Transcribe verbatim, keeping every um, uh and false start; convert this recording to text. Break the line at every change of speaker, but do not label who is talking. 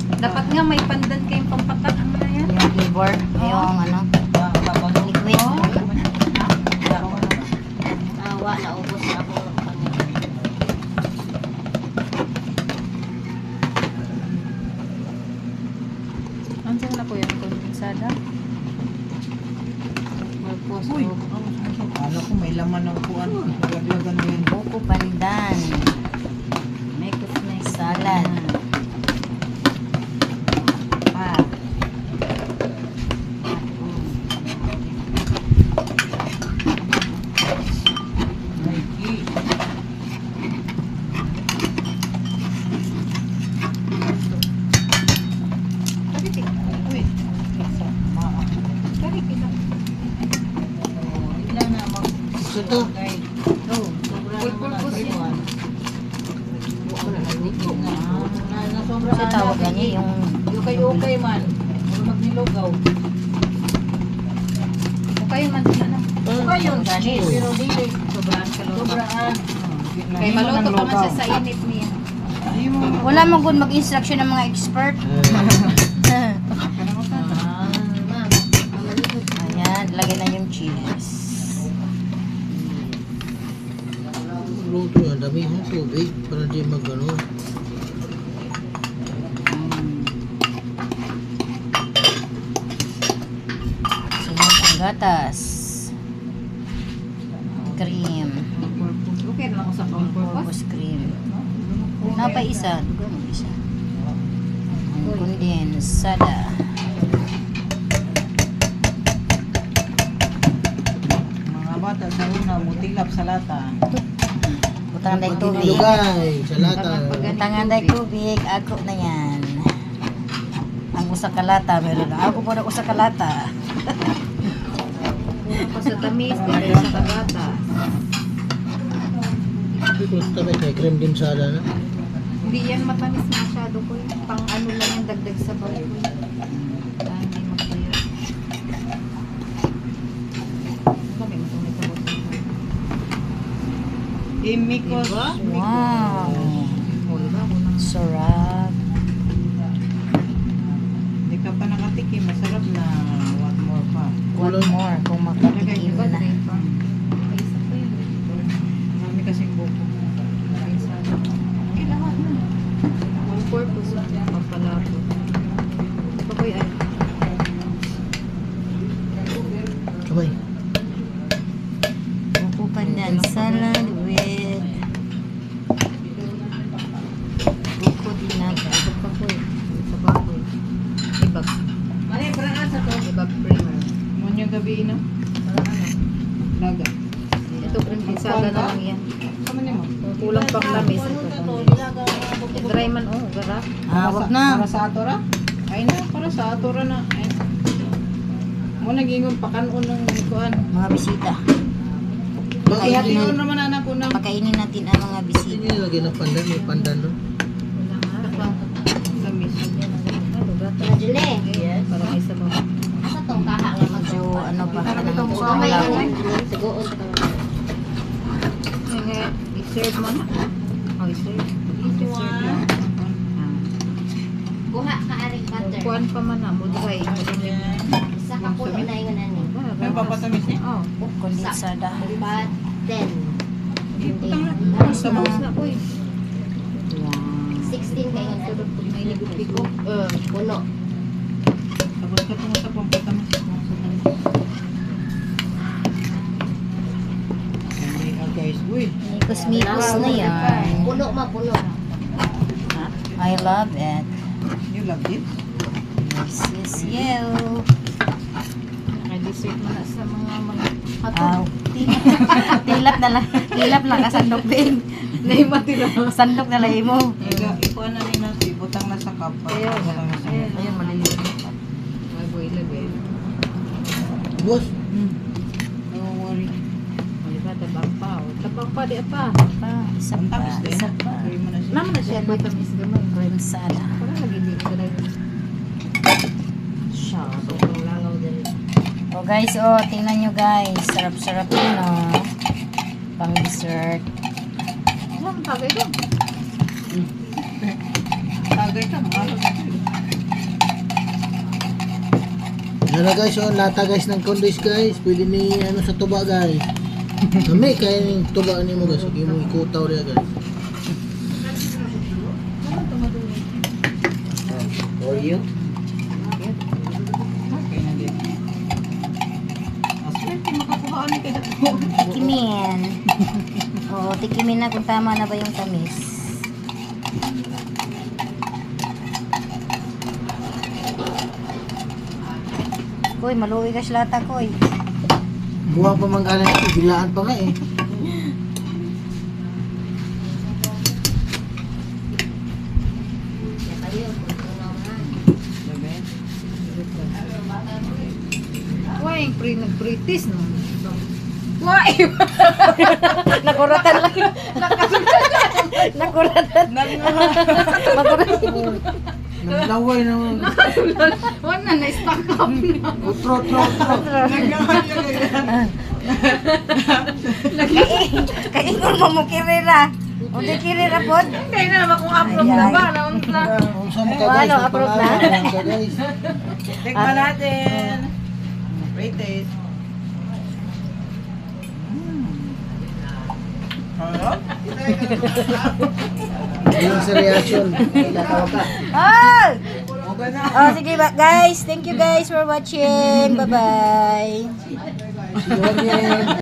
Dapat nga may pandan kayong pampatak. Ano na yan?
Yung flavor, yung ano, liquid.
Awa, naubos na ako.
Ano na po yung kondensada?
Uy, akala ko may laman ng kuwan. Laglagan mo yun.
Buko pandan.
May kusnay
Salad.
Pa.
Mikey.
Karitik.
Uy. Sama.
Karitik lang.
Ilan na mag...
Gusto to.
Oh.
Pulpul yun.
Kasi tawagan niya yung
Ukay-ukay man. Huwag magnilugaw.
Okay man din ano.
Ukay yun.
Ganis.
Pero dili.
Sobrang kalota.
Sobraan.
Kay maluto pa man siya sa init niya.
wala man good mag-instruction ng mga expert. Ayan, lagay na yung cheese.
Luto yan, dami yung tubig para di magano.
Sunod ang gatas. Cream.
Okay na lang ako sa purpose.
Purpose cream. Napay isa. Dugo mo isa. Ang kondensada.
Mga bata sa una, mutilap sa lata.
Butangan dahil tubig.
Lugay, sa lata.
Butangan dahil tubig. Ako na yan. Ang usa kalata. Meron na. Ako po na usa kalata.
Ako sa tamis, dahil sa kagata.
Gusto ba kay cream din sada na?
Hindi yan matamis masyado ko. Pang ano lang yung dagdag sa bahay ko. Ah, hindi magtayo. Kami mo itong itabot.
Imikos.
Wow.
O, diba? Unang
Sarap.
Hindi ka pa nakatikim. Masarap na. What more pa?
What more kung makatikim
iba
na.
na ito. May isa pa yun.
Marami kasing buko.
Kailangan na. All purpose lang. Pampalato. Ito ko yan.
Kamay.
Buko pandan salad with buko dinaga.
Ito pa ko eh. Sa baboy. Ibag.
Mali, parang sa to.
Ibag primer.
Mo yung gabi, no?
Parang ano.
Laga.
Ito prensada na lang yan.
Sama niyo mo.
Kulang pang lamis. Ito. Dry man oh. Garap.
Ah, wag na.
Para sa atora? Ay na, para sa atora na. Ay. Mo nagingon pakanon ng kuan.
Mga bisita.
Ihati-on naman anak ko na.
Pakainin natin ang mga
Hindi
bisita.
niya lagyan ng pandan, may pandan doon.
Wala nga.
Gamis.
Jule. Yes. Para may sabaw.
Asa tong kaha nga
Medyo ano pa.
Parang itong
ano,
buka.
lang.
Sugoon sa
Nga, i-serve mo na. Oh, i-serve. I-serve lang.
Kuha ka aring butter.
Kuhan pa man na. Mudray.
Isa ka puno na yung nani.
May papatamis niya?
Oh.
Kondensada.
But ten.
Putang na.
Ay, sabaw na ko eh.
Sixteen kayo na.
Tulog po may nigupiko.
Uh, puno.
Tapos ka tungo sa pampatamis. Ay, ah, guys. Uy.
Mikos-mikos na yan.
Puno ma, puno.
I love it.
You love it?
This is you.
May dessert mo na sa mga mga
Aw.
hatog.
Tilap na lang. Tilap na kasandok din.
Naimatira.
Sandok na lang mo.
Iga, ikuha na rin natin. Butang na sa cup.
Kaya nga.
Butang na sa
Ayan.
Ayun, maliliit.
May boy lagi.
Boss,
Hmm. Don't worry.
Diba, tabang pa. oh. Tabang pa, di pa.
Pa, isa
Ang
pa,
tamis din.
isa pa.
Gawin mo na siya.
Naman na siya, may tamis gamay.
Kondensada.
Para lagi dito na yun. Siya, sobrang langaw din.
Oh guys, oh, tingnan nyo guys. Sarap-sarap yun, oh. Pang dessert.
Alam, tagay ko.
Tagay ka. Mahalo na.
Ano guys, oh, lata guys ng condoys guys. Pwede ni ano sa tuba guys. Kami kaya ng tuba ni mo guys. Sige mo ikutaw rin guys.
For you?
Okay na din. Aswerte, makakuha ni kay Dato.
Tikimin. Oo, tikimin na kung tama na ba yung tamis. Koy, maluwi ka lata, koy.
Buha pa man galing ito. Bilaan pa nga eh.
Why, pre, nag-British no?
Why?
Nakuratan lang. Nakuratan. Nakuratan.
Naglaway naman.
Wala, na-stack up na.
Utro, utro, utro.
Kaingon mo mo kirira. O di kirira pod.
Hindi na naman kung approve na ba? Naon na.
Kung saan ka
Oh,
guys,
ano, approve na?
magpangalan ka guys.
Tikman natin. Wait taste.
Yun sa reaction. Ilatawag ka.
Oh! Oh, sige ba, guys. Thank you guys for watching. Bye-bye.
See you again.